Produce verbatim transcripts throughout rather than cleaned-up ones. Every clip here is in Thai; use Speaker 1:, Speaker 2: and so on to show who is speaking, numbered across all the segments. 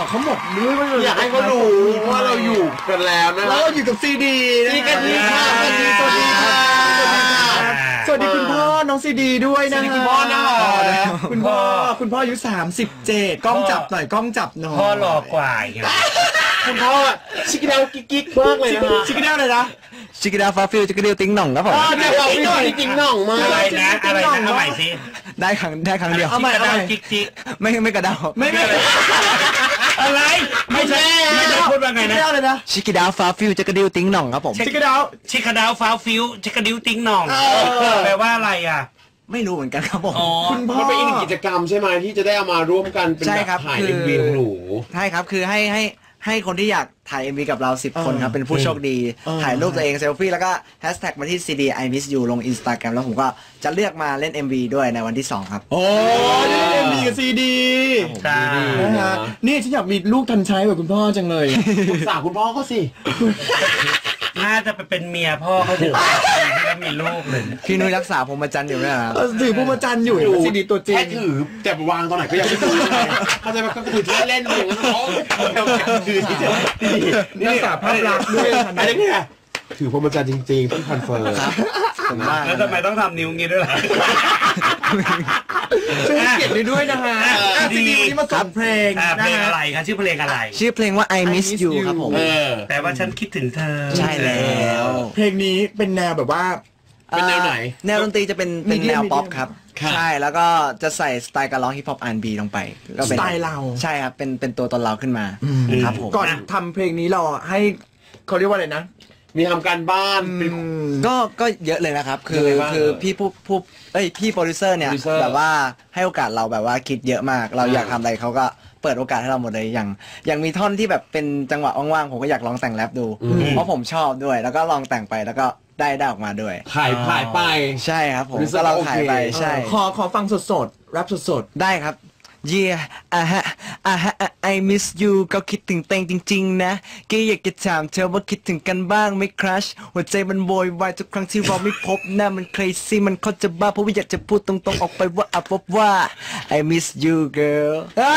Speaker 1: เขาหมดด้วยว่า
Speaker 2: อยากให้เขารู้ว่าเราอยู่กันแล้วนะ
Speaker 1: แล้วเราอยู่กับซีดี
Speaker 2: ซีดีค่ะสวัสดีสวัสดีค่ะ
Speaker 1: สวัสดีคุณพ่อน้องซีดีด้วยนะ
Speaker 2: คุณพ่อนะ
Speaker 1: คุณพ่อคุณพ่ออายุสามสิบเจ็ดกล้องจับหน่อยกล้องจับหน่อย
Speaker 3: พ่อหล่อกว่า
Speaker 2: คุณพ่อชิคกี้พายกิ๊กๆมากเลยนะ
Speaker 1: ชิคกี้พายเลยนะ
Speaker 4: ชิคกี้ดาวฟาฟิลชิคกี้ดิวติ้งหน่องครับผม
Speaker 2: เดี๋ยวเราพี่หน่อยติ๊งหน่องมา
Speaker 3: อะไรนะอะไรนะเอาใหม่สิ
Speaker 4: ได้ครั้งได้ครั้งเดียว
Speaker 3: เอาใหม่เอาใหม่จิ๊กจิ๊ก
Speaker 4: ไม่ไม่กระดา
Speaker 1: ไม่ไม่
Speaker 3: อะไรไม่ใช่ไม่ใช่พูดว่าไงนะ
Speaker 4: ชิคกี้ดาวฟาฟิลชิคกี้ดิวติ้งหน่องครับผม
Speaker 1: ชิคกี้ดาว
Speaker 3: ชิคกี้ดาวฟาฟิลชิคกี้ดิวติ้งหน่องแปลว่าอะไรอ่ะ
Speaker 4: ไม่รู้เหมือนกันครับผม
Speaker 2: คุณพ่อมันเป็นอีกกิจกรรมใช่ไหมที่จะได้เอามาร่วมกันเป็นแบบถ่ายเอ็มวีของหนู
Speaker 4: ใช่ครับคือให้ให้ให้คนที่อยากถ่าย เอ็ม วี กับเราสิบคนครับเป็นผู้โชคดีถ่ายรูปตัวเองเซลฟี่แล้วก็แฮชแท็กมาที่ ซี ดี I miss you ลง Instagram แล้วผมก็จะเลือกมาเล่น เอ็ม วี ด้วยในวันที่สองครับ
Speaker 1: โอ้เล่น เอ็ม วี กับ ซี ดี
Speaker 3: ใช่
Speaker 1: นะฮะนี่ฉันอยากมีลูกทันใช้แบบคุณพ่อจังเลย
Speaker 2: ปรึกษาคุณพ่อเขาสิ
Speaker 3: น่าจะไปเป็นเมียพ่อเขาถึงที่แล้วมีลูกเลย
Speaker 4: พี่นุ้ยรักษาพรหมจรรย์อยู่นะ
Speaker 1: ถือพรหมจรรย์อยู่ซีดีตัวจริง
Speaker 2: แค่ถือแต่วางตอนไหนก็ยังไม่รู้เลยเขาจะมาก็ถือเล่นๆอย่างนั้นเขาถือที่จะ
Speaker 1: นี่รักษาภาพลักษณ์ด้วย
Speaker 2: อะไรเนี่ยถือพรหมจรรย์จริงๆที่คอนเฟิร์ม
Speaker 3: แล้วทำไมต้องทำนิ้วงี้ด้วยล่ะ
Speaker 1: ช่วยเก็บไปด้วยนะฮะซีดีนี้มาส่งเพลง
Speaker 3: เพลงอะไรครับชื่อเพลงอะไร
Speaker 4: ชื่อเพลงว่า I miss you ครับผม
Speaker 3: แต่ว่าฉันคิดถึงเธอ
Speaker 4: ใช่แล้ว
Speaker 1: เพลงนี้เป็นแนวแบบว่า
Speaker 2: เป็นแนวไหน
Speaker 4: แนวดนตรีจะเป็นเป็นแนวป๊อปครับใช่แล้วก็จะใส่สไตล์การร้องฮิปฮอป อาร์ แอนด์ บี ลงไป
Speaker 1: สไตล์เรา
Speaker 4: ใช่ครับเป็นเป็นตัวตนเราขึ้นมาครับผม
Speaker 1: ก่อนทำเพลงนี้เราให้เขาเรียกว่าอะไรนะ
Speaker 2: มีทำการบ้าน
Speaker 4: ก็ก็เยอะเลยนะครับคือคือพี่ผู้ผู้เอ้ยพี่โปรดิวเซอร์เนี่ยแบบว่าให้โอกาสเราแบบว่าคิดเยอะมากเราอยากทำอะไรเขาก็เปิดโอกาสให้เราหมดเลยอย่างอย่างมีท่อนที่แบบเป็นจังหวะว่างๆผมก็อยากลองแต่งแรปดูเพราะผมชอบด้วยแล้วก็ลองแต่งไปแล้วก็ได้ได้ออกมาด้วย
Speaker 2: ถ่ายถ่ายไป
Speaker 4: ใช่ครับผมก็เราถ่ายไปใช่
Speaker 1: ขอขอฟังสดๆแรปสด
Speaker 4: ๆได้ครับYeah อ่ะฮะอ่ะฮะ I miss you ก็คิดถึงเต็งจริงๆนะก็อยากจะถามเธอว่าคิดถึงกันบ้างไหมครัชหัวใจมันโวยวายทุกครั้งที่เราไม่พบหน้ามัน crazy มันเขาจะบ้าเพราะว่าอยากจะพูดตรงๆออกไปว่าอ่ะพบว่า I miss you girl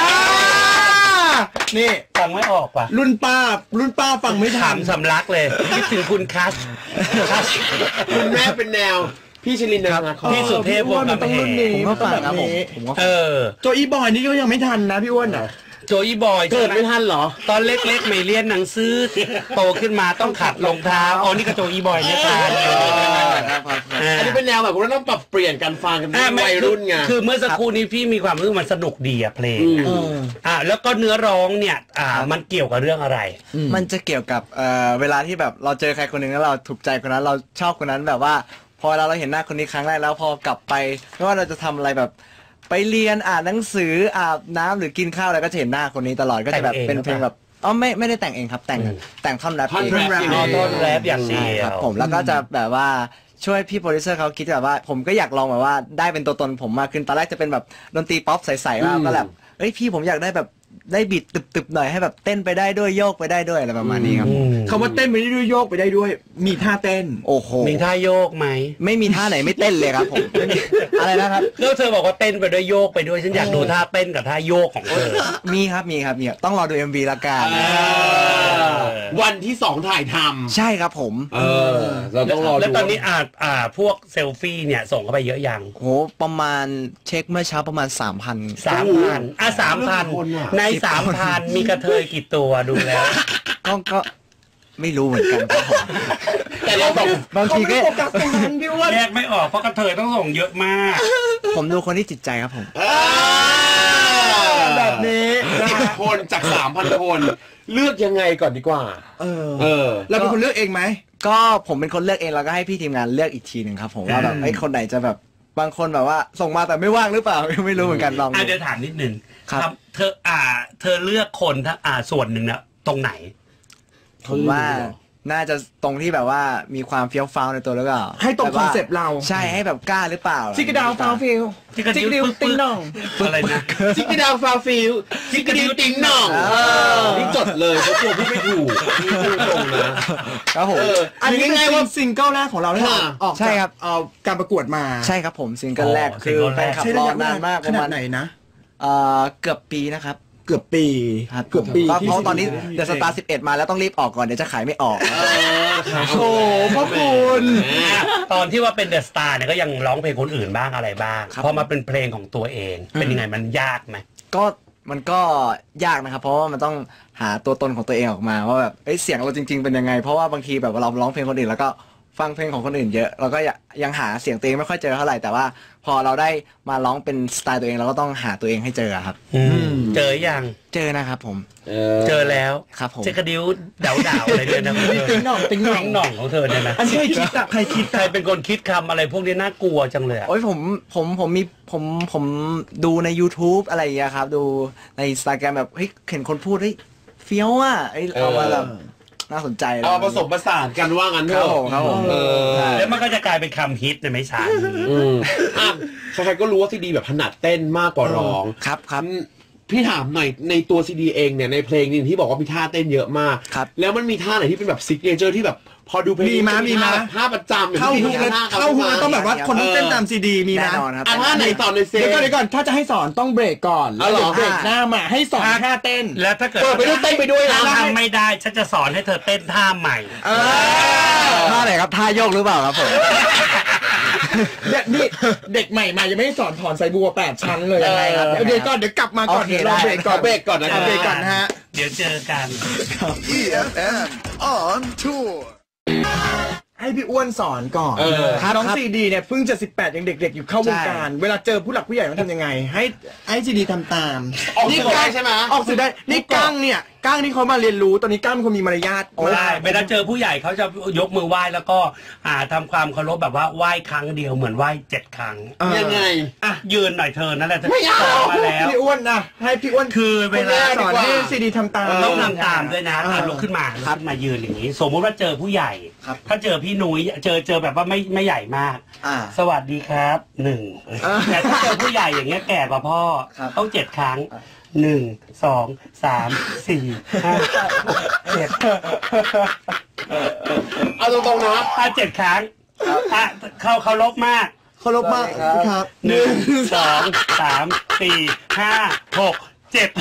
Speaker 1: นี่
Speaker 3: ฟังไม่ออกป่ะ
Speaker 1: รุ่นป้ารุ่นป้าฟังไม่ทัน
Speaker 3: สำลักเลยคิดถึงคุณคัช
Speaker 2: คุณแม่เป็นแนวพี่ชลินนะครับ
Speaker 3: พี่สุเทพวงศ์กำแพง
Speaker 4: ผมก็ฟังครับผม
Speaker 3: เออ
Speaker 1: โจอีบอยนี่ก็ยังไม่ทันนะพี่อ้วนอ่ะ
Speaker 3: โจอีบอย
Speaker 2: เกิดไม่ทันเหรอ
Speaker 3: ตอนเล็กๆไม่เรียนหนังสือโตขึ้นมาต้องขัดรองเท้าอ๋อนี่ก็โจอีบอยเนี่ยทาน
Speaker 2: อันนี้เป็นแนวแบบว่าต้องปรับเปลี่ยนการฟังกันวัยรุ่นไง
Speaker 3: คือเมื่อสักครู่นี้พี่มีความรู้สึกมันสนุกดีอะเพลงอ่าแล้วก็เนื้อร้องเนี่ยอ่ามันเกี่ยวกับเรื่องอะไร
Speaker 4: มันจะเกี่ยวกับเอ่อเวลาที่แบบเราเจอใครคนหนึ่งแล้วเราถูกใจคนนั้นเราชอบคนนั้นแบบว่าพอเราเราเห็นหน้าคนนี้ครั้งแรกแล้วพอกลับไปไม่ว่าเราจะทำอะไรแบบไปเรียนอ่านหนังสืออาบน้ำหรือกินข้าวอะไรก็จะเห็นหน้าคนนี้ตลอดก็จะแบบเป็นเพลงแบบอ๋อไม่ไม่ได้แต่งเองครับแต่งแต่งท่อนแรป
Speaker 2: ท่อนแรป
Speaker 3: ท่อนแรปอย่างเดียว
Speaker 4: ครับผมแล้วก็จะแบบว่าช่วยพี่โปรดิวเซอร์เขาคิดแบบว่าผมก็อยากลองแบบว่าได้เป็นตัวตนผมมากขึ้นตอนแรกจะเป็นแบบดนตรีป๊อปใสๆมากก็แบบเอ้ยพี่ผมอยากได้แบบได้บิดตึบๆหน่อยให้แบบเต้นไปได้ด้วยโยกไปได้ด้วยอะไรประมาณนี้ครับ
Speaker 1: คำว่าเต้นไปได้ด้วยโยกไปได้ด้วยมีท่าเต้น
Speaker 4: โอ้โห
Speaker 3: มีท่าโยกไหม
Speaker 4: ไม่มีท่าไหนไม่เต้นเลยครับผมอะไรนะครับ
Speaker 3: แล้วเธอบอกว่าเต้นไปด้วยโยกไปด้วยฉันอยากดูท่าเต้นกับท่าโยกของเธอ
Speaker 4: มีครับมีครับมีต้องรอดู เอ็ม วี ละกัน
Speaker 2: วันที่สองถ่ายทำ
Speaker 4: ใช่ครับผม
Speaker 2: เออเราต้องรอดู
Speaker 3: แล้วตอนนี้อ่าอ่าพวกเซลฟี่เนี่ยส่งเข้าไปเยอะยัง
Speaker 4: โหประมาณเช็คเมื่อเช้าประมาณ สามพัน
Speaker 3: สามพันอ่ะ สามพัน ใน สามพัน มีกระเทยกี่ตัวดูแล้ว
Speaker 4: ก็ก็ไม่รู้เหมือนกันครับผม
Speaker 2: แต่เราส่ง
Speaker 4: บางทีก็
Speaker 3: แยกไม่ออกเพราะกระเทยต้องส่งเยอะมาก
Speaker 4: ผมดูคนที่จิตใจครับผม
Speaker 1: แบบนี้
Speaker 2: สิบคนจาก สามพัน คนเลือกยังไงก่อนดีกว่า
Speaker 1: เออเออเราเป็นคนเลือกเองไหม
Speaker 4: ก็ผมเป็นคนเลือกเองแล้วก็ให้พี่ทีมงานเลือกอีกทีหนึ่งครับผมว่าแบบไอ้คนไหนจะแบบบางคนแบบว่าส่งมาแต่ไม่ว่างหรือเปล่าไม่รู้เหมือนกันลอง
Speaker 3: อ่ะเดี๋ยวถามนิดนึงครับเธออ่าเธอเลือกคนทั้งอ่าส่วนหนึ่งนะตรงไหน
Speaker 4: ผมว่าน่าจะตรงที่แบบว่ามีความเฟี้ยวฟ้าวในตัวหรือเปล่า
Speaker 1: ให้ตรงคอนเซปต์เรา
Speaker 4: ใช่ให้แบบกล้าหรือเปล่า
Speaker 1: ซิกดาวฟาวฟิล
Speaker 3: ซิกดิวติ้งน่องอะไรนะ
Speaker 2: ซิกดาวฟาวฟิลซิกดิวติ้งน่องนี่จดเลยเพราะตัวพี่ไม่ถูกพี่พูดตรงนะครับ
Speaker 1: ผมอันนี้ไงว่าซิงเกิลแรกของเราเนี่ยออก
Speaker 4: ใช่ครับ
Speaker 1: เอาการประกวดมา
Speaker 4: ใช่ครับผมซิงเกิลแรกคือแฟนคลับรอนานมาก
Speaker 1: ขนาดไหนนะ
Speaker 4: เอ่อเกือบปีนะครับ
Speaker 1: เกืกือบปี
Speaker 4: ครับ
Speaker 1: เกือบปี
Speaker 4: ก็
Speaker 1: ที่
Speaker 4: เพราะตอนนี้
Speaker 1: ซีดี
Speaker 4: เดอะสตาร์สิบเอ็ดมาแล้วต้องรีบออกก่อนเดี๋ยวจะขายไม่ออก
Speaker 1: โอ้พ่อคุณ
Speaker 3: อ่ะตอนที่ว่าเป็นเดอะสตาร์เนี่ยก็ยังร้องเพลงคนอื่นบ้างอะไรบ้าง
Speaker 4: ครับ
Speaker 3: พอมาเป็นเพลงของตัวเอง เป็นยังไงมันยากไหม
Speaker 4: ก็มันก็ยากนะครับ เพราะว่ามันต้องหาตัวตนของตัวเองออกมาว่าแบบเอ้ยเสียงเราจริง ๆเป็นยังไง เพราะว่าบางทีแบบเราร้องเพลงคนอื่นแล้วก็ฟังเพลงของคนอื่นเยอะเราก็ยังหาเสียงตัวเองไม่ค่อยเจอเท่าไหร่แต่ว่าพอเราได้มาร้องเป็นสไตล์ตัวเองเราก็ต้องหาตัวเองให้เจอครับ
Speaker 3: เจอยัง
Speaker 4: เจอนะครับผม
Speaker 3: เจอแล้ว
Speaker 4: ครับผม
Speaker 3: เจอกระดิ้วเดาๆอะไรด้วยนะ
Speaker 1: ติ๊งหน่องติ๊งหน่อง
Speaker 3: หน่องของเธอเนี่ยนะ
Speaker 1: อันนี้ใครคิดอะใครคิด
Speaker 3: ใครเป็นคนคิดคำอะไรพวกนี้น่ากลัวจังเลยอะ
Speaker 4: โอ้ยผมผมผมมีผมผมดูใน YouTube อะไรอย่างเงี้ยครับ ดูใน Instagram แบบเฮ้ยเห็นคนพูดเฮ้ยเฟี้ยวอ่ะเอ้ยเอามาแบบน่าสนใจ
Speaker 2: เอาผสมผสานกันว่างั้นเถ
Speaker 4: ครับ
Speaker 2: อะ
Speaker 4: ผมครับผม
Speaker 2: เออ
Speaker 3: แล้วมันก็จะกลายเป็นคำฮิตในไม่ช้า
Speaker 2: อืมอ่ะใครๆก็รู้ว่าซีดีแบบถนัดเต้นมากกว่าร้อง
Speaker 4: ครับครับ
Speaker 2: พี่ถามหน่อยในตัวซีดีเองเนี่ยในเพลงนี้ที่บอกว่ามีท่าเต้นเยอะมาก
Speaker 4: ครับ
Speaker 2: แล้วมันมีท่าไหนที่เป็นแบบซิกเนเจอร์ที่แบบพอดูเพลง
Speaker 1: มีมั้ยมีมั้ย
Speaker 2: ท่าประจำอย่ง
Speaker 1: เข้า
Speaker 2: ที่
Speaker 1: ฮุก
Speaker 2: พี่
Speaker 1: แล้ว
Speaker 2: ท่
Speaker 1: เข้าฮุกแล้วต้องแบบว่าคนต้องเต้นตามซีดีมีไหม
Speaker 4: แน่นอนครับ
Speaker 2: อ่ะท่าไหนสอนในเซ
Speaker 1: เดี๋ยวก่อนเดี๋ยวก่อนถ้าจะให้สอนต้องเบรกก่อน
Speaker 2: อ๋อเหรอ
Speaker 1: แล้วเดี๋ยวเบรกหน้ามาให้สอนท่าเต้น
Speaker 3: แล้วถ้าเกิด
Speaker 2: เปิดไปด้วยเต้นไปด้วยนะ
Speaker 3: ทำไม่ได้ฉันจะสอนให้เธอเต้นท่าใหม่
Speaker 1: เออ
Speaker 4: ท่าไหนครับท่าโยกหรือเปล่าครับผม
Speaker 1: เนี่ยนี่เด็กใหม่มายังไม่ได้สอนถอนสายบัวแปดชั้นเลยยังไงครับ
Speaker 4: เออ
Speaker 1: เดี๋ยวก่อนเดี๋ยวกลับมาก่อน
Speaker 4: โอเค
Speaker 1: เดี๋ยวเรา
Speaker 4: ได้
Speaker 1: เบรกก่อน
Speaker 2: เบรกก่อนนะ
Speaker 1: เาเบรกก่อนนะฮะ
Speaker 3: เดี๋ยวเจอกัน
Speaker 5: E F M on tour.
Speaker 1: ให้พี่อ้วนสอนก่อน
Speaker 2: เออ
Speaker 1: น้อง
Speaker 4: ครับ
Speaker 1: ซีดีเนี่ยเพิ่งจะสิบแปดยังเด็กๆอยู่เข้าวงการ เวลาเจอผู้หลักผู้ใหญ่ต้องทำยังไง ให้ให้ซีดีทำตาม
Speaker 2: ออกสื่อได้ใช่ไหม
Speaker 1: ออกสื่อได้นี่ก้างเนี่ยก้างนี่เขามาเรียนรู้ตอนนี้ก้างเป็นคนมีมารยาท
Speaker 3: ใช่เวลาเจอผู้ใหญ่เขาจะยกมือไหว้แล้วก็อ่าทำความเคารพแบบว่าไหว้ครั้งเดียวเหมือนไหว้เจ็ดครั้ง
Speaker 1: เออ
Speaker 2: ยังไง
Speaker 3: อ่ะยืนหน่อยเธอนั่นแหละ
Speaker 2: ไม่เอา
Speaker 3: สอนมาแล้ว
Speaker 1: พี่อ้วนนะให้พี่อ้วน
Speaker 3: คือเวลา
Speaker 1: สอนให้ซีดีทำตาม
Speaker 3: ต้องทำตามด้วยนะ
Speaker 1: เออ
Speaker 3: อ่ะลุกขึ้นมาลุกขึ้นมายืนอย่างนี้ สมมติว่าเจอผู้ใหญ่
Speaker 4: ครับ
Speaker 3: ถ้าเจอพี่นุ้ยเจอเจอแบบว่าไม่ไม่ใหญ่มาก
Speaker 4: อ่า
Speaker 3: สวัสดีครับหนึ่งแต่ถ้าเจอผู้ใหญ่อย่างเงี้ยแก่กว่าพ่อ
Speaker 4: ครับ
Speaker 3: ต้องเจ็ดครั้งหนึ่งสองสามสี่ห้าเจ็ด
Speaker 2: เอาตรงๆนะ
Speaker 3: อ่ะเจ็ดครั้งอ่ะเขาเคารพมาก
Speaker 1: เคารพมากครับ
Speaker 3: หนึ่งสองสามสี่ห้าหกเจ็ด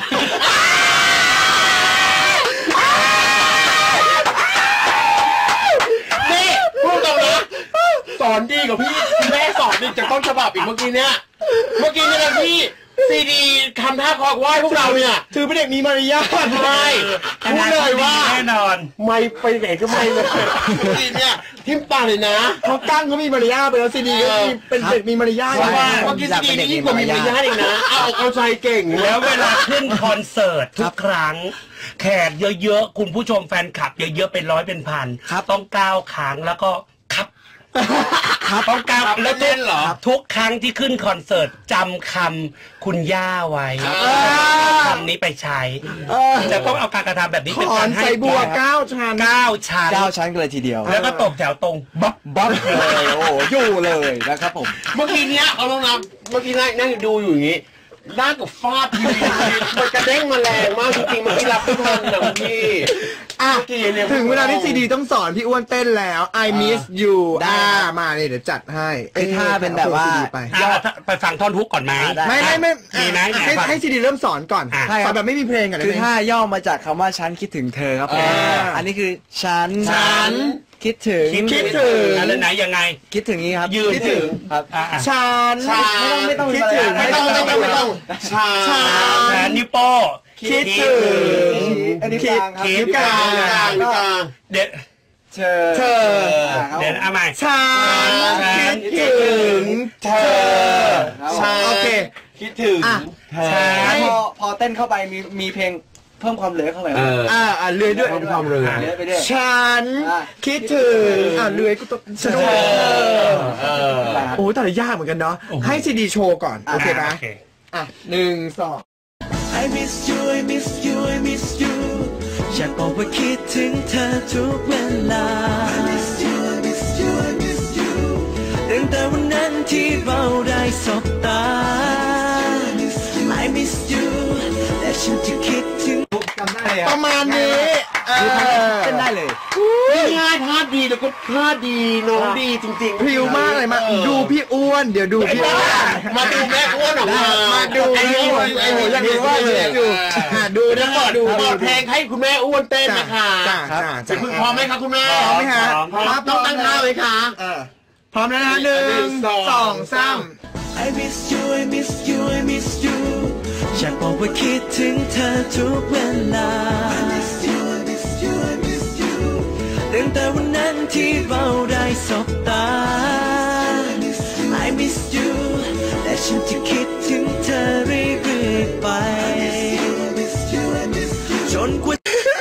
Speaker 2: นี่พูดตรงนะสอนดีกว่าพี่แม่สอนดีจากต้นฉบับอีกเมื่อกี้เนี่ยเมื่อกี้เนี่ยนะพี่ซีดีทำท่าคอกไหว้พวกเราเนี่ย
Speaker 1: ถือเป็นเด็กมีมารยาท
Speaker 2: ใช่พูดเลยว่า
Speaker 3: แน่นอน
Speaker 2: ไม่ไปไหนก็ไม่เลยซีเนี่ยทิมตาเลยนะ
Speaker 1: เขาก้างเขามีมารยาทไปแล้วซีดีก็มีเป็นเด็กมีมารยาท
Speaker 2: เพราะว่า
Speaker 1: ใช่
Speaker 2: เมื่อกี้ซีดีนี่ยิ่งกว่ามีมารยาทอีกนะเอาอกเอาใจเก่ง
Speaker 3: แล้วเวลาขึ้นคอนเสิร์ตทุกครั้ง แขกเยอะๆ คุณผู้ชมแฟนคลับเยอะๆ เป็นร้อยเป็นพัน ต้องก้าวครั้งแล้วก็ครับครับต้องก้าว
Speaker 2: ครับแล้วเต้นเหรอ
Speaker 3: ทุกครั้งที่ขึ้นคอนเสิร์ตจำคำคุณย่าไว้คำนี้ไปใช้
Speaker 1: เออ
Speaker 3: จะต้องเอาการกระทำแบบนี้เป็น
Speaker 1: ถอก
Speaker 3: าน รให้
Speaker 1: ใส่บัวเก้าชั้น
Speaker 3: เก้าชั้น
Speaker 4: เก้าชั้นกันเลยทีเดียว
Speaker 3: แล้วก็ตบแถวตรงบ๊อบบ๊อบ
Speaker 4: เลยโอ้โหอยู่เลยนะครับผม
Speaker 2: เมื่อกี้เนี้ยเอาลงนะเมื่อกี้นั่งนั่งดูอยู่อย่างงี้ด้านกับฟาดทีวีมันกระเด้งมาแรงมากจริงๆเมื่อกี้รับไม่ทันนะพี่
Speaker 1: อ่ะ
Speaker 2: เมื่อกี้เนี่ย
Speaker 1: ถึงเวลาที่ซีดีต้องสอนพี่อ้วนเต้นแล้ว I miss you อ่ามาเลยเดี๋ยวจัดให้
Speaker 4: คือท่าเป็นแบบว่า
Speaker 1: อ ซีดีไป
Speaker 3: อ่ะไปฟังท่อนฮุกก่อนไหม
Speaker 4: ได้
Speaker 1: ไม่ไม่ไม่
Speaker 3: มีไหม
Speaker 1: ให้
Speaker 3: ไหนฟัง
Speaker 1: ให้ซีดีเริ่มสอนก่อน
Speaker 3: อ่ะ
Speaker 1: สอนแบบไม่มีเพลงก่อน
Speaker 4: คือ
Speaker 1: ได้ไหม
Speaker 4: ท่าย่อมาจากคำว่าฉันคิดถึงเธอครับผม
Speaker 1: อ่า
Speaker 4: อันนี้คือฉัน
Speaker 1: ฉัน
Speaker 4: คิดถึง
Speaker 1: คิดถึง
Speaker 3: อะไรไหนยังไง
Speaker 4: คิดถึงนี้ครับ
Speaker 3: ยืน
Speaker 4: คิดถึงครับ
Speaker 3: อ่ะอ่ะ
Speaker 1: ฉัน
Speaker 2: ฉัน
Speaker 4: ไม่ต้อง
Speaker 1: คิด
Speaker 4: ไม่
Speaker 1: ถึ
Speaker 4: ต้อง ง
Speaker 2: ไม่ต้องไม่ต้องไม่ต้องชา
Speaker 1: ฉัน
Speaker 3: แขนนิ้วโป้
Speaker 1: คิดถึง
Speaker 4: อันนี้กลางครับ
Speaker 3: คิด
Speaker 1: นิ้วกลาง
Speaker 2: กลางหรือกลาง
Speaker 3: เด็ด
Speaker 4: เธอ
Speaker 1: เธอ
Speaker 4: ครับ
Speaker 3: เด็ดเอาใหม่
Speaker 1: ฉัน
Speaker 3: ฉัน
Speaker 1: คิดถึงเธอ
Speaker 2: ชา
Speaker 1: โอเค
Speaker 2: คิดถึง
Speaker 1: อ่ะ
Speaker 2: เธอ
Speaker 4: ให้พอพอเต้นเข้าไปมีมีเพลงเพิ่มความเหลือเข้าไป
Speaker 2: เออ
Speaker 1: อ่าอ่าเลื่อยด้วย
Speaker 2: เพิ่มความเรือ
Speaker 4: เหลือไปด้วย
Speaker 1: ฉัน
Speaker 4: อ่ะ
Speaker 1: คิดถึงอ่าเลื่อยกูต้องสนุก
Speaker 2: เออ
Speaker 1: โอ้แต่ละยากเหมือนกันเนาะให้ซีดีโชว์ก่อน โอเคไหม
Speaker 3: โอเค
Speaker 1: อ่ะหนึ่งสอง
Speaker 6: I miss you I miss you I miss you อยากบอกว่าคิดถึงเธอทุกเวลา I miss you I miss you I miss you ตั้งแต่วันนั้นที่เราได้สบตา I miss you และฉันจะคิดถึง
Speaker 4: จำได้เลย
Speaker 1: ประมาณนี้เออ
Speaker 4: เต้นได้เลย
Speaker 2: ง่ายท่าดีแล้วก็ท่าดีน้องดีจริงๆ
Speaker 1: พริ้วมากเลยมาดูพี่อ้วนเดี๋ยวดูพี่อ้วน
Speaker 2: มาดูแม่อ้วนออกมา
Speaker 1: มาดู
Speaker 2: ไอ้
Speaker 1: พี่
Speaker 2: นี่
Speaker 1: อ้วนไอ้หนูอยากดูว่าเลยดูอ่ะดู
Speaker 2: เดี๋
Speaker 1: นะ
Speaker 2: ยวก่อน
Speaker 1: ดู
Speaker 2: เปิดเพลงให้คุณแม่อ้วนเต้นนะคะ
Speaker 1: จ้าจ้า
Speaker 2: จะ
Speaker 1: จ้า
Speaker 2: คุณพร้อมไหมคะคุณแม่
Speaker 1: พร้อมไหมฮะ
Speaker 2: พร้อมต้องตั้งท่าไหมคะ
Speaker 1: พร้อมแล้วนะหนึ่งสองสาม
Speaker 6: I miss you I miss you I miss you อยากบอกว่าคิดถึงเธอทุกเวลา I miss you I miss you I miss you ตั้งแต่วันนั้นที่เราได้สบตา I miss you และฉันจะคิดถึงเธอเรื่อยๆไปจนกว่า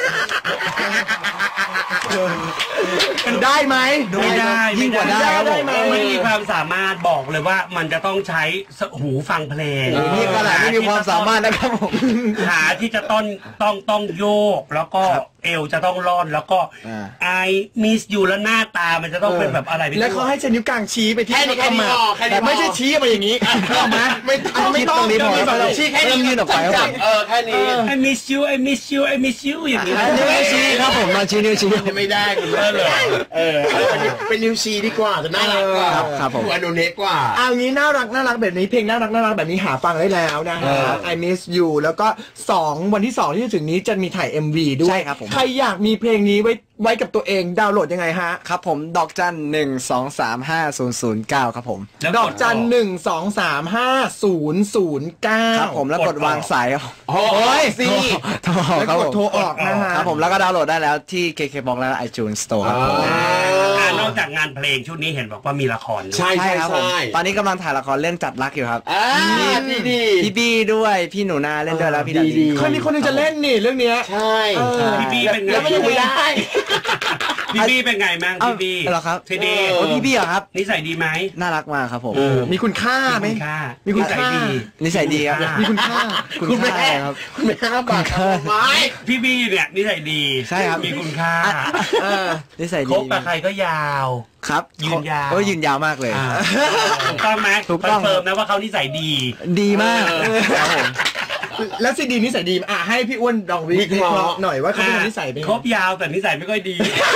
Speaker 1: ได้ไหม
Speaker 3: ไม่ได้
Speaker 4: ยิ่งกว่าได้ครับผม
Speaker 3: ไม่มีความสามารถบอกเลยว่ามันจะต้องใช้หูฟังเพลง
Speaker 4: นี่ขนาดไม่มีความสามารถนะครับผม
Speaker 3: ขาที่จะต้องต้องต้องโยกแล้วก็เอวจะต้องร่อนแล้วก็
Speaker 4: อ่า
Speaker 3: ไอมิสอยู่แล้วหน้าตามันจะต้องเป็นแบบอะไรไม่รู้
Speaker 1: แล้วเขาให้ใช้นิ้วกลางชี้ไปที่
Speaker 2: แค่นี้แค่นี้
Speaker 1: มา
Speaker 2: พอแค่นี้
Speaker 1: แต่ไม่
Speaker 2: พอ
Speaker 1: ใช่ชี้มาอย่างนี้เข้ามาไม่ไม่ต้อง
Speaker 4: ตรงนี้พอ
Speaker 1: ไม่ต้อง
Speaker 2: ชี้แค่
Speaker 4: เริ่
Speaker 2: นี้
Speaker 4: มยื่นออกไปครับผม
Speaker 2: เออแค่นี้
Speaker 3: I miss you I miss you I miss you อย่างนี้
Speaker 4: นิ้วชี้ครับผมมาชี้นิ้วชี้
Speaker 2: ไม่ได้คุณแม่เลยเออเป็นนิวซีดีกว่าจะน่ารักกว่า
Speaker 4: ครับครับผม
Speaker 2: ดูอโนเนกกว่า
Speaker 1: เอางี้น่ารักน่ารักแบบนี้เพลงน่ารักน่ารักแบบนี้หาฟังได้แล้วนะฮะ I miss you แล้วก็สองวันที่สองที่จะถึงนี้จะมีถ่าย เอ็ม วี ด้วย
Speaker 4: ใช่ครับผม
Speaker 1: ใครอยากมีเพลงนี้ไว้ไว้กับตัวเองดาวน์โหลดยังไงฮะ
Speaker 4: ครับผมดอกจันหนึ่งสองสามห้าศูนย์ศูนย์เก้าครับผม
Speaker 3: แล้ว
Speaker 1: ดอกจันหนึ่งสองสามห้าศูนย์ศูนย์เก้า
Speaker 4: ครับผมแล้วกดวางสายครับ
Speaker 2: โอ้ยสิ
Speaker 4: โทร
Speaker 1: แล้ว
Speaker 4: ครับ
Speaker 1: ก
Speaker 4: ผ
Speaker 1: ด
Speaker 4: ม
Speaker 1: โทรออกนะฮะ
Speaker 4: ครับผมแล้วก็ดาวน์โหลดได้แล้วที่ เค เค บ็อกซ์ และ iTunes Store ครับผม
Speaker 3: อ่านอกจากงานเพลงชุดนี้เห็นบอกว่ามีละครด้วย
Speaker 2: ใช่ใช่
Speaker 4: ครับผม
Speaker 2: ใช่
Speaker 4: ตอนนี้กำลังถ่ายละครเรื่องจัดรักอยู่ครับ
Speaker 2: อ่าดีดี
Speaker 4: พี่บี้ด้วยพี่หนูนาเล่นด้วยแล้วพี่ดา
Speaker 2: ดี
Speaker 4: ดี
Speaker 1: คนนี้คนหนึงจะเล่นนี่เรื่องเนี้ย
Speaker 2: ใช่
Speaker 1: เออ
Speaker 3: พี่บี้เป็นไง
Speaker 2: แล้วไม่ยังไม่ได้
Speaker 3: พี่บี้เป็นไงแม่ง
Speaker 4: เอ้า
Speaker 3: พี่บี้
Speaker 4: เหรอครับ
Speaker 3: ทีดี
Speaker 2: เอ
Speaker 4: โอ้พี่บี้เหรอครับ
Speaker 3: นิสัยดีไหม
Speaker 4: น่ารักมากครับผม
Speaker 1: มีคุณค่าไหม
Speaker 3: มีคุณค่า
Speaker 1: มีคุณค่า
Speaker 3: นิสัยดี
Speaker 4: นิสัยดีครับ
Speaker 1: มีคุณค่า
Speaker 4: คุณค่าอะไรครับ
Speaker 2: คุณแม่ห้าบาทไม้
Speaker 3: พี่บี้เนี่ยนิสัยดี
Speaker 4: ใช่ครับ
Speaker 3: มีคุณค่า
Speaker 1: เออ
Speaker 4: นิสัย
Speaker 3: ค
Speaker 4: ดี
Speaker 3: บกับใครก็ยาว
Speaker 4: ครับ
Speaker 3: ยืนยาว
Speaker 4: เออยืนยาวมากเลย
Speaker 3: อ่าถูกต้องไหม
Speaker 4: ถูกต้อง
Speaker 3: คอนเฟิร์มนะว่าเขานิสัยดี
Speaker 4: ดีมากครับผม
Speaker 1: แล้วซีดีนิสัยดีอ่ะให้พี่อ้วนลองวิเคราะห์หน่อยว่าเขาเป็นคนนิสัยเป็นไง
Speaker 3: ครบยาวแต่นิสัยไม่ค่อยดี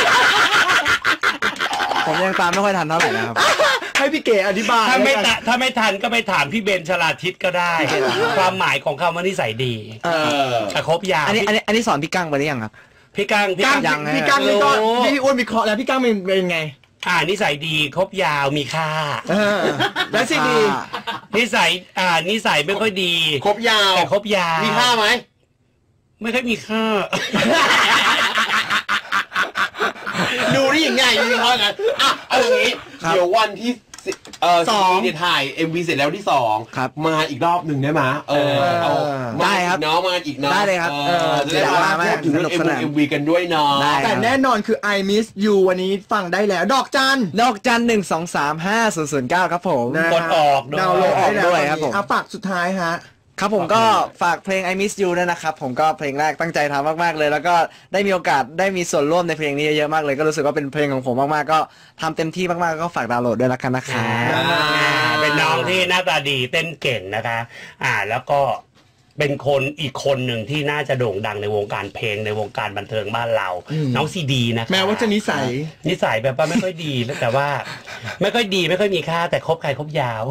Speaker 4: ผมยังตามไม่ค่อยทันเท่าไหร่นะครับ
Speaker 1: ให้พี่เก๋อธิบาย
Speaker 3: ถ้าไม่
Speaker 1: แล้วกัน
Speaker 3: ตะถ้าไม่ทันก็ไปถามพี่เบนชลาทิศก็ได้ ความหมายของคำว่านิสัยดี
Speaker 1: เออ
Speaker 3: แต่ครบยาว
Speaker 4: อันนี้อันนี้อันนี้สอนพี่กั้งไปหรือยังครับ
Speaker 3: พี่กังพี่
Speaker 1: ก้า
Speaker 3: กั
Speaker 1: ง
Speaker 3: ง
Speaker 4: ยังไง
Speaker 1: พี่ก้างนี่ก็
Speaker 3: รู้
Speaker 1: พี่อ้วนวิเคราะห์แล้วพี่ก้างเป็นเป็นไง
Speaker 3: อ่านิสัยดีครบยาวมีค่า
Speaker 1: เออแล้วซีดี
Speaker 3: นิสัยอ่านิสัยไม่ค่อยดี
Speaker 2: ครบยาว
Speaker 3: แต่ครบยาว
Speaker 2: มีค่าไหม
Speaker 3: ไม่ค่อยมีค่า
Speaker 2: ดูได้ยังไงดูเขากันอ่ะเอาอย่างนี้
Speaker 4: ครับ
Speaker 2: เดี๋ยววันที่สิเออ
Speaker 1: สอง
Speaker 2: ซีเนี่ยถ่าย เอ็ม วี เสร็จแล้วที่สอง
Speaker 4: ครับ
Speaker 2: มาอีกรอบหนึ่งได้ไหมเออเอา
Speaker 4: ได้ครับ
Speaker 2: มาอีกเนาะมาอีกเนาะ
Speaker 4: ได้เลยครับ
Speaker 2: เออจะได้
Speaker 4: อยาก
Speaker 2: มา
Speaker 4: มา
Speaker 2: พูดถึงเรื่อง
Speaker 4: สนุกสนาน
Speaker 2: เอ็ม วี กันด้วยเนาะ
Speaker 4: ได้
Speaker 1: แต่แน่นอนคือ I miss you วันนี้ฟังได้แล้ว ดอกจัน
Speaker 4: ดอกจันหนึ่งสองสามห้าศูนย์ศูนย์เก้าครับผม
Speaker 1: นะ
Speaker 3: กดออกด้วย
Speaker 1: ดาวน์โหลดได้แล้ว
Speaker 4: ด้วยครับผม
Speaker 1: เอาปากสุดท้ายฮะ
Speaker 4: ครับผมก็ฝากเพลง I Miss You ด้วยนะครับ ผมก็เพลงแรกตั้งใจทำมากๆเลย แล้วก็ได้มีโอกาสได้มีส่วนร่วมในเพลงนี้เยอะๆมากเลยก็รู้สึกว่าเป็นเพลงของผมมากๆก็ทำเต็มที่มากๆก็ฝากดาวน์โหลดด้วยละกันนะคะ
Speaker 3: อ่าเป็นน้องที่หน้าตาดีเต้นเก่งนะคะ อ่าแล้วก็เป็นคนอีกคนหนึ่งที่น่าจะโด่งดังในวงการเพลงในวงการบันเทิงบ้านเรา น้องซีดีนะคะ
Speaker 1: แม้ว่าจะนิสัย
Speaker 3: นิสัยแบบว่าไม่ค่อยดีแต่ว่า ไม่ค่อยดีไม่ค่อยมีค่าแต่คบใครคบยาว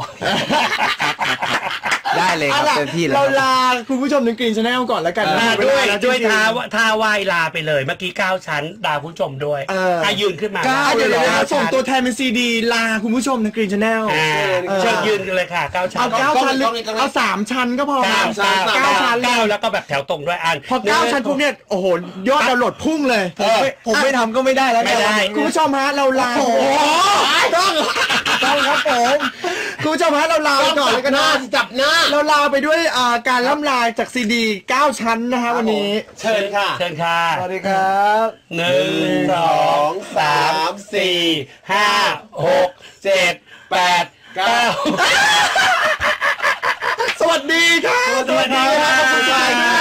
Speaker 4: ได้เลยครับ
Speaker 1: เอาล่ะ
Speaker 4: เต็มที่เลย
Speaker 1: เรา
Speaker 4: ครับ
Speaker 1: ลาคุณผู้ชมในกรีนชาแนลก่อนแล้วกันนะ
Speaker 3: อ่า
Speaker 1: เว
Speaker 3: ด้ว
Speaker 1: ลาย แล้ว
Speaker 3: ด้วย
Speaker 1: จริงๆ
Speaker 3: ท่าท่าไหว้ลาไปเลย เมื่อกี้เก้าชั้นลาผู้ชมด้วย
Speaker 1: เอออ่
Speaker 3: ะยืนขึ้นมา
Speaker 1: อ่ะเดี๋ยวเดี๋ยวเดี๋ยว
Speaker 3: ก้า
Speaker 1: ส่ง
Speaker 3: ชั้น
Speaker 1: ตัวแทนเป็นซีดีลาคุณผู้ชมในกรีนชาแนล
Speaker 3: อ่าเชิญยืนกันเลยค่ะเก้าชั้น
Speaker 1: เอาเก้าชั้นหรือเอาสามชั้นก็พอ
Speaker 3: เก้า
Speaker 1: เก้า
Speaker 3: เก้า
Speaker 1: ชั้นเลย
Speaker 3: เก้าแล้วก็แบบแถวตรงด้วยอัน
Speaker 1: พอเก้าชั้นปุ๊บเนี่ยโอ้โหยอดดาวน์โหลดพุ่งเลย
Speaker 4: ผมไม่ผมไม่ทำก็ไม่ได้แล้ว
Speaker 3: ไม่ได้
Speaker 1: คุณผู้ชมฮะเราลา
Speaker 4: โอ้โหต้องต้องครับผม
Speaker 1: คุณผู้ชมฮะเราลาไปก่อนเลยกัน
Speaker 2: ห
Speaker 1: นะ
Speaker 2: น้าจับหน้า
Speaker 1: เราลาไปด้วยอ่าการล่ำลาจากซีดีเก้าชั้นนะฮะวันนี้
Speaker 2: เชิญค่ะ
Speaker 3: เชิญค่ะ
Speaker 4: สวัสดีครับ
Speaker 3: หนึ่งสองสามสี่ห้าหกเจ็ดแปดเก้า
Speaker 1: สวัสดีค่ะ
Speaker 3: สวัสดีค่ะ
Speaker 1: ขอบคุณค่ะ